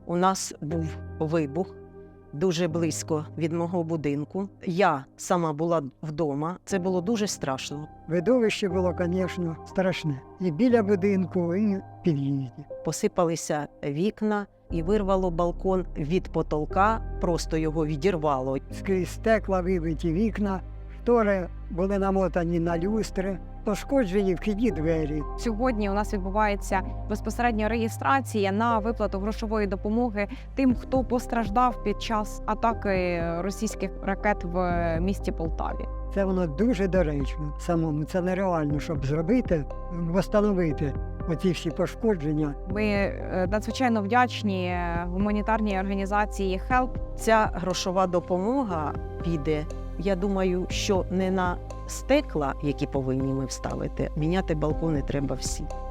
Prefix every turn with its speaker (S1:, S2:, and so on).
S1: У нас був вибух дуже близько від мого будинку. Я сама була вдома. Це було дуже страшно.
S2: Видовище було, звісно, страшне. І біля будинку, і в під'їзді.
S1: Посипалися вікна і вирвало балкон від потолка, просто його відірвало.
S2: Скрізь стекла, вибиті вікна, штори були намотані на люстри, пошкоджені вхідні двері.
S3: Сьогодні у нас відбувається безпосередньо реєстрація на виплату грошової допомоги тим, хто постраждав під час атаки російських ракет в місті Полтаві.
S2: Це воно дуже доречно самому. Це нереально, щоб зробити, встановити оці всі пошкодження.
S3: Ми надзвичайно вдячні гуманітарній організації HELP.
S1: Ця грошова допомога піде, я думаю, що не на стекла, які повинні ми вставити. Міняти балкони треба всі.